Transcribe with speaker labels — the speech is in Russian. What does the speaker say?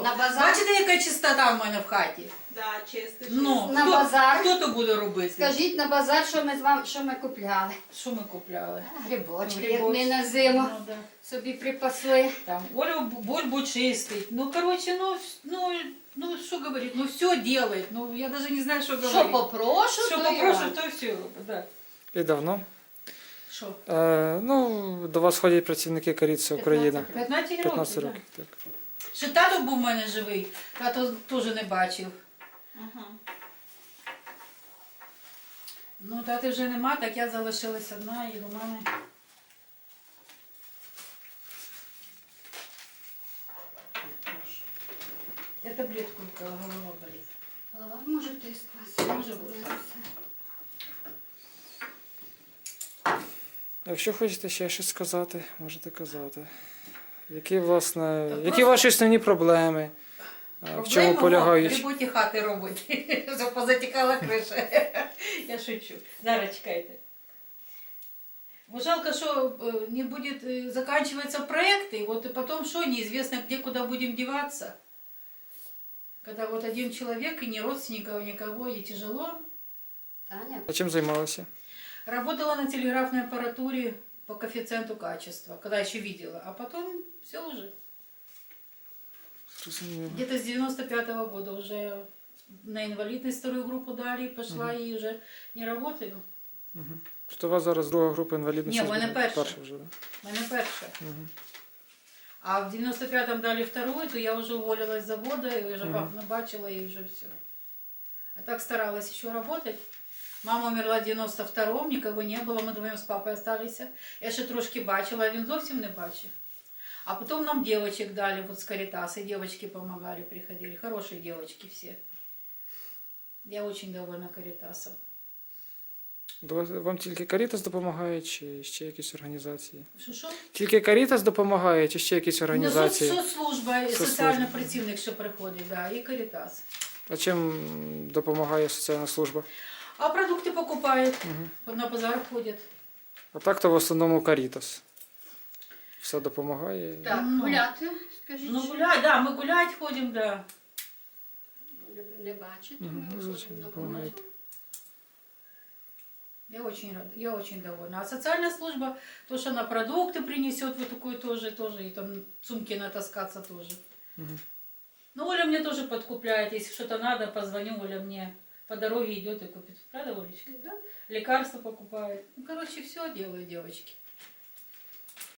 Speaker 1: На базар?
Speaker 2: Бачите, яка чистота в мене в хаті?
Speaker 3: Да, чисто.
Speaker 2: Ну,
Speaker 1: На базар.
Speaker 2: Хто то буде робити?
Speaker 1: Скажіть на базар, що ми з вами, що ми купляли.
Speaker 2: Що ми купляли?
Speaker 1: Грибочки, як
Speaker 2: Грибочки.
Speaker 1: ми на зиму
Speaker 2: Ну, да.
Speaker 1: собі припасли.
Speaker 2: Там, Оля бульбу чистить. Ну, короче, ну, что говорить, ну, все делает. Ну, я даже не знаю, что говорить.
Speaker 1: Що попрошу,
Speaker 2: Що
Speaker 1: то
Speaker 2: попрошу,
Speaker 1: я.
Speaker 2: то все робить, да.
Speaker 4: І давно.
Speaker 2: Що?
Speaker 4: Ну, до вас ходять працівники Карітси Україна.
Speaker 2: 15 років,
Speaker 4: 15
Speaker 2: да.
Speaker 4: років, так.
Speaker 2: Ще тато був у мене живий, тато теж не бачив.
Speaker 3: Ага.
Speaker 2: Ну, тати вже нема, так я залишилась одна і до мене. Я таблетку випила, голова болить.
Speaker 1: Голова може тиск у вас.
Speaker 2: Може бути.
Speaker 4: Якщо хочете ще щось сказати, можете казати. Які, власне,
Speaker 2: Та
Speaker 4: які
Speaker 2: просто-
Speaker 4: ваші основні проблеми? В чому полягають?
Speaker 2: В роботі хати робить. Щоб позатікала криша. Я шучу. Зараз чекайте. Бо жалко, что не будет заканчиваться проект, и вот и потом что, неизвестно, где, куда будем деваться. Когда вот один человек, и ни родственников, никого, и тяжело.
Speaker 1: Таня,
Speaker 4: А чим займалися?
Speaker 2: Работала на телеграфной аппаратуре по коэффициенту качества, когда еще видела, а потом все уже.
Speaker 4: Зрозуміло.
Speaker 2: Где-то с 95-го года уже на инвалидность вторую группу дали, и пошла, и уже не работаю.
Speaker 4: Тобто у вас зараз друга група інвалідності?
Speaker 2: Ні, в мене перша.
Speaker 4: Перша вже, так?
Speaker 2: У мене перша.
Speaker 4: Мгм.
Speaker 2: А в 95-м дали вторую, то я уже уволилась с завода, и уже папу бачила, и уже все. А так старалась еще работать. Мама умерла в 92-м, никого не было, мы вдвоем с папой остались. Я ще трошки бачила, а він зовсім не бачив. А потом нам девочек дали, вот с Каритаса, девочки помогали, приходили, хорошие девочки все. Я очень довольна Каритасом.
Speaker 4: Вам тільки Карітас допомагає, чи ще якісь організації?
Speaker 2: Що?
Speaker 4: Тільки Карітас допомагає, чи ще якісь організації?
Speaker 2: Ну, соцслужба, і
Speaker 4: Соцслужба.
Speaker 2: соціальний працівник, що приходить, да, і Каритас.
Speaker 4: А чим допомагає соціальна служба?
Speaker 2: А продукты покупают, на базар ходят.
Speaker 4: А так-то в основному Карітас. Все допомагає.
Speaker 1: так,
Speaker 2: Ну.
Speaker 1: гуляти, скажіть.
Speaker 2: Ну
Speaker 1: що?
Speaker 2: гулять, да, мы гулять ходим, да.
Speaker 1: Не бачите,
Speaker 4: Мгм,
Speaker 1: ми
Speaker 4: звичайно,
Speaker 1: виходимо на
Speaker 4: допомагають.
Speaker 1: вулицю.
Speaker 2: Я очень рада, я очень довольна. А социальная служба, то, что она продукты принесет, вот такой тоже, и там сумки натаскаться тоже.
Speaker 4: Мгм.
Speaker 2: Ну, Оля мне тоже подкупляет, если что-то надо, позвоню, Оля мне по дороге идет и купит. Правда, Олечка?
Speaker 1: Да.
Speaker 2: Лекарства покупает. Ну, короче, все делаю, девочки.